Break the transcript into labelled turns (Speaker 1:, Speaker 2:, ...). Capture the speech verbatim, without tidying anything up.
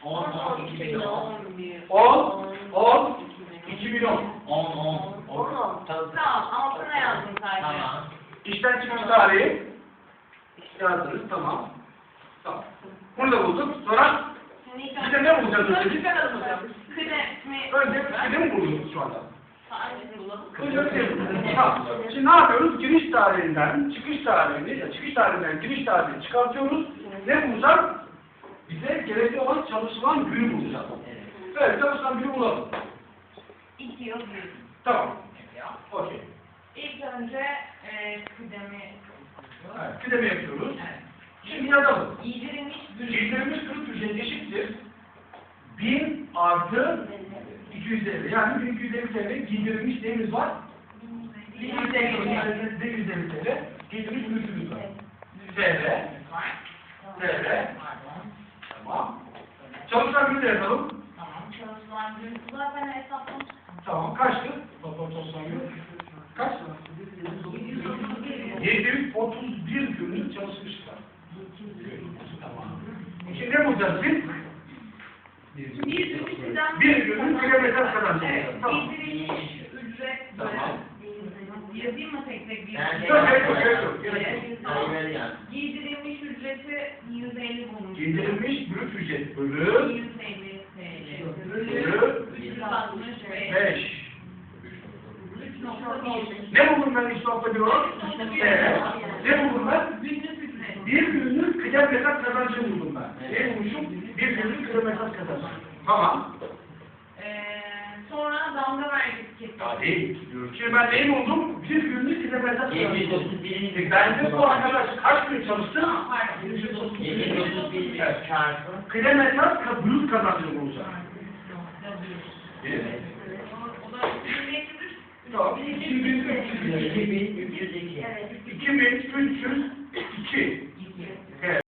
Speaker 1: on, on, iki bin on.
Speaker 2: on, on, iki bin on.
Speaker 1: on, on.
Speaker 3: on.
Speaker 1: Tamam, altına yazdım sadece. Tamam.
Speaker 2: İşten çıkış tarihi yazdınız, tamam. Tamam. Bunu da bulduk. Sonra bir de ne bulacağız önce?
Speaker 1: Kıdemi.
Speaker 2: Önce bir de mi buldunuz şu anda?
Speaker 1: Sadece bulalım.
Speaker 2: Önce bir de bulduk. Tamam. Şimdi ne yapıyoruz? Giriş tarihinden, çıkış tarihini, ya çıkış tarihinden giriş tarihini çıkartıyoruz. Ne bulacağız? Bize gerekli olan çalışılan günü bulacağız. Evet, çalışılan günü bulalım.
Speaker 1: İki yıl bir.
Speaker 2: Tamam. Okey.
Speaker 1: İlk önce e, kıdemi.
Speaker 2: Evet, kıdemi yapıyoruz.
Speaker 1: Evet.
Speaker 2: Şimdi yazalım.
Speaker 1: Giydirilmiş
Speaker 2: Giydirilmiş kırık ücret eşittir. bin artı iki yüz elli. Yani bin iki yüz elli T L giydirilmiş neyimiz var? bin yüz elli T L giydirilmiş mülkümüz var. T L. T L. Tamam. Çalışan günü de yazalım.
Speaker 1: Tamam. Çalışılan gün zaten hesaplamıştım.
Speaker 2: Tamam. Kaçtı? Toplam çalışan günü. Kaç? yedi yüz otuz bir günlük çalışmışlar. Tamam. Şimdi ne bulacağız biz?
Speaker 1: Bir günlükten
Speaker 2: Bir günlük kilometre kazancı. Tamam.
Speaker 1: giydirilmiş ücret.
Speaker 2: Tamam.
Speaker 1: Yazayım mı tek tek bir?
Speaker 2: Yok, gerek yok, gerek yok, gerek yok.
Speaker 1: Tamam. Giydirilmiş ücreti yüz elli bulmuş.
Speaker 2: Giydirilmiş brüt ücret bölü
Speaker 1: yüz elli T L.
Speaker 2: bölü
Speaker 1: üç yüz altmış beş.
Speaker 2: beş.
Speaker 1: üç nokta bir.
Speaker 2: Ne buldum ben üç nokta bir olarak? Evet. Ne buldum ben?
Speaker 1: Günlük ücret.
Speaker 2: Bir günlük kilometre kazancı buldum ben. Ne bulmuşum? Bir günlük kilometre kazancı. Tamam.
Speaker 1: Ee, sonra damga vergisi kesildi.
Speaker 2: Ya değil. Şimdi ben neyi buldum? Bir günlük kilometre kazancı.
Speaker 4: yedi yüz otuz bir.
Speaker 2: Bence bu arkadaş kaç gün çalıştı?
Speaker 1: Pardon.
Speaker 4: yedi yüz otuz bir çarpı.
Speaker 2: Kilometre ka- brüt kazancını bulacağım. Evet.
Speaker 1: O da bin beş yüz.
Speaker 2: Tamam. iki bin üç yüz iki.
Speaker 4: iki bin üç yüz iki.
Speaker 1: Evet.